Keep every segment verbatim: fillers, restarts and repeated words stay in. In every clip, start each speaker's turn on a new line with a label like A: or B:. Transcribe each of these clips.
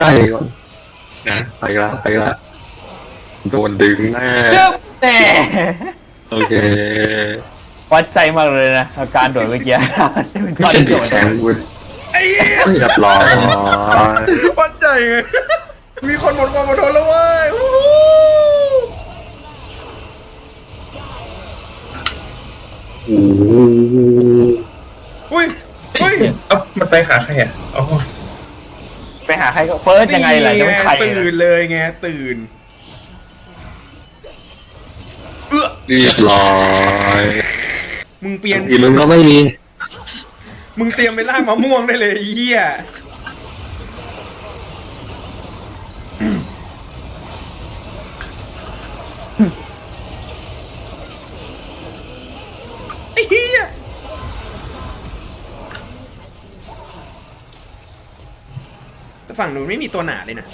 A: ใกล้ก่อนนะไปละไปละโดนดึงแน่
B: แต่
A: โอเค
B: วัดใจมากเลยนะอาการโดดเมื่อกี้เป็นก้อนโดด
A: แข็งวุ้น
C: ไอ้เหี้ย
A: เรียบร้อย
C: วัดใจไง มีคนหมดความอดทนแล้วเว้ยอู้หู
A: โอ้โห
C: อุ้ยอุ้ย
D: เอ้ามันไปหาใครอ่ะอ๋อ
B: ไปหาใครก็เฟิร์สยังไงล่ะจะไม่ใคร
C: ตื่นเลยไงตื่นเอื้อ
A: เรียบร้อย
C: มึงเปลี่ยน
A: อีมึงก็ไม่มี
C: มึงเตรียมไปล่ามะม่วงได้เลยไอ้เหี้ยไอ้เหี้ยแต่ฝั่งนู้นไม่มีตัวหนาเลยนะ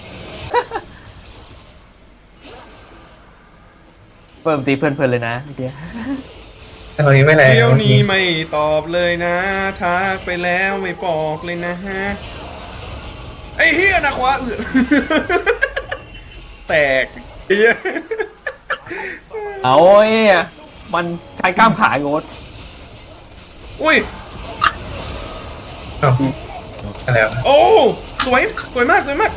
B: เพิ่มตีเพื่อนๆเลยนะเมื่อกี้
D: แต่ตอนนี้ไม่แรง
C: เดี๋ยวนี้ไม่ตอบเลยนะทักไปแล้วไม่บอกเลยนะฮะไอ้เฮียนะขวาเอือ แตกเฮีย
B: เอาไอ้เนี่ยมันใช้กล้ามขาโงด
C: อุ้ย
D: เอ้าอะไรวะ
C: โอ้สวยสวยมากสวยมาก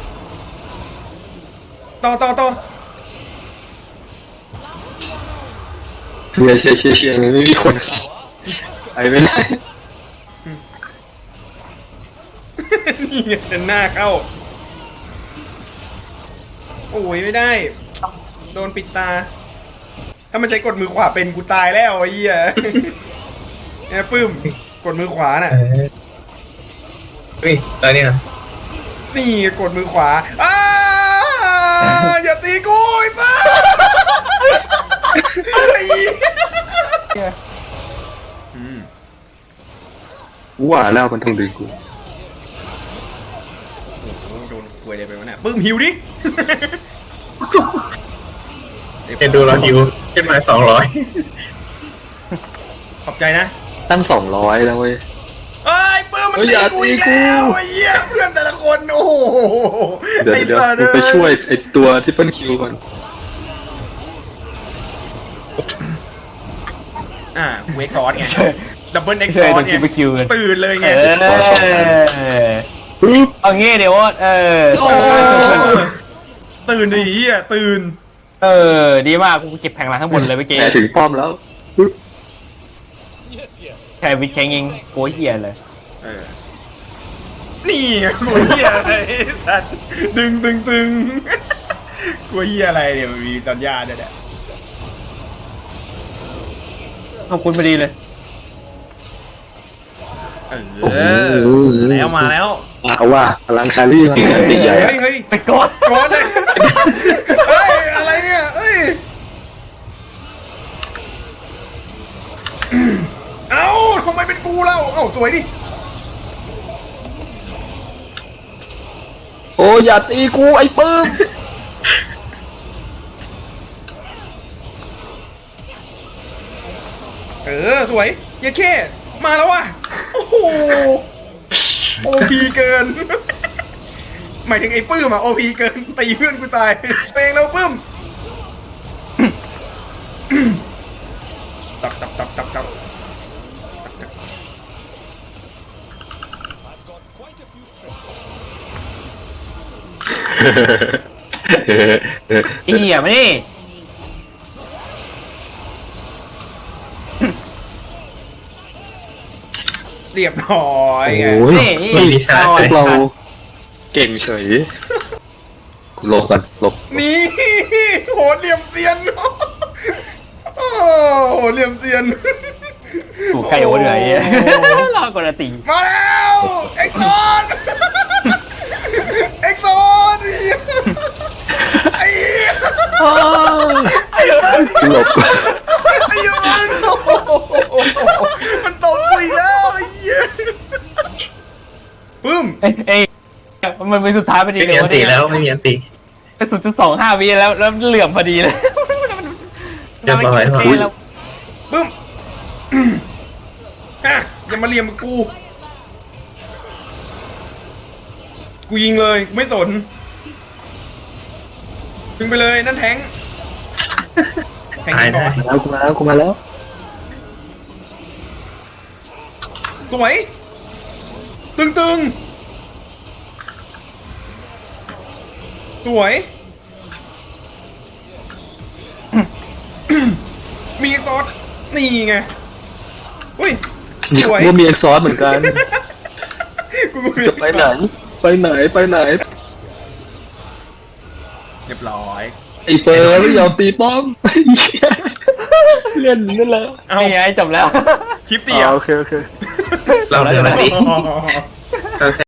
C: ต่อต่อต่อ
A: เชียร์เชียร์เชียร์เชียร์ไม่มีคนเข้าไปไม่ได้
C: นี่ไงฉันหน้าเข้าโอ้ยไม่ได้ โดนปิดตา ถ้ามันใช้กดมือขวาเป็นกูตายแล้วไอ้เหี้ย เนี่ยปื้มกดมือขวาน่ะ
D: เออเฮ้ยตอนนี้นะ
C: นี่กดมือขวาอ้าอย่าตีกูไอ้ป้าไอ้เหี้ยอืม
A: กูว่าแล้วมันต้องดึงกู
C: โอ้โหโดนควยอะไรไปวะเนี่ยปื้มหิวดิ
D: เห็นดูเราฮิวขึ้นมาสองร้อย
C: ขอบใจนะ
A: ตั้งสองร้อยแล้วเว้ย
C: เอ้ยปื้มมัน
A: เฮ้ย
C: ตี
A: อย่า
C: กู
A: ตี
C: อีก
A: กู
C: แล้วไอ้เหี้ยเพื่อนแต่ละคนโอ้โห
A: เดี๋ยว
C: ไอ้
A: เดี๋ยว
C: สัต
A: มึงไป
C: เอ้
A: ช่วยไอตัวที่เปิ้ลคิวก่อน
C: อ่าเวกซอสไงดับเบิลเอ็กซ์
B: ช่
C: ซ
B: วย
C: อ
B: โด
C: ส
B: น
C: ไง
B: คิวไปคิวกัน
C: ตื่นเลย
B: เอ
C: ไง
B: อเอางี้เดี๋ยวเออ
C: โอ้ตื่นดิเหี้ยตื่น
B: เออดีมากกูเก็บแผงหลังข้างบนเลยเมื่อกี้
A: แหมถึงป้อมแล้ว
B: แค่วิชแข่งยิงโก้เหี้ยเลย
C: เออนี่ไงกลัวเหี้ยอะไรไอ้สัตว์ดึงตึงตึงกลัวเหี้ยอะไรเดี๋ยวมีตอนญาติด้วยแหละ
B: ขอบคุณพอดีเลย
C: เออแล้วมาแล้ว
A: เอาว่าพลังคารี่มันติดใหญ่
C: เฮ้ยเฮ้ย
B: ไปกด
C: ก้อนเลยเฮ้ยอะไรเนี่ยเฮ้ยเอ้าทำไมเป็นกูเล่าเอ้าสวยดิ
A: โอ้อย่าตีกูไอ้ปื้ม
C: เออสวยเยาแค่มาแล้วว่ะโอ้โหโอพีเกิน หมายถึงไอ้ปื้มอะโอพีเกินตีเพื่อนกูตายเซงแล้วปื้มตับตับตับตับตับ
B: อีเหี้ยมานี่
C: เรียบร้อยไง
A: โอ้ย
B: นี่
D: มีดิชาร์จ
A: พ
D: เล
A: วย กเราเก่งเฉยหลบกันหลบ
C: นี่โหเหลี่ยมเซียนโอ้โหเหลี่ยมเซียน
B: ถูกใกล้โอ้เหนื่อย รอกดตี
C: มาแล้วเอ็กซ์ซอนเอ็กซ์ซอนไอ้เหี้ยไอ้เบิร์น
A: หลบ
C: ไอ้เบิร์นโอ้โหมันตบกูอีกแล้วไอ้เหี้ยปึ้ม
B: เอ้ยเอ้ยมันเป็นสุดท้ายพอดี
D: ไม่
B: เล
D: มี
B: ย
D: อันตีแล้วไม่มีอันตี
B: เป็นศูนย์จุดสองห้าวิแล้วแล้วเหลื่อมพอดีเลย
D: เรียบร้อย
B: เราไม่เก่งแล้ว
C: ปึ้มอ่ะอย่ามาเหลี่ยมกับกู กูยิงเลยไม่สนดึงไปเลยนั่นแทงแทง
D: ตาย
C: ก่อ
D: ได้
C: น
A: แล้วกูมาแล้วกูมาแล้ว
C: สวย ตึงตึงสวย มีซอสนี่ไงอุ้ยสวย
A: กูมีเอ็กซอสเหมือนกัน
C: กูก็มี
A: จะไปไหนไปไหนไปไหน
C: เรียบร้อย
A: ไอ้เฟิร์นไม่ยอมตีป้อมเล่นนั่นแหละ
C: เอา
B: นี่ไงจบแล้ว
C: คลิป
A: อ๋
C: เตีย
A: อโอเคโอเค
D: เราเดินมาดิ
C: อ๋อ
D: โอเค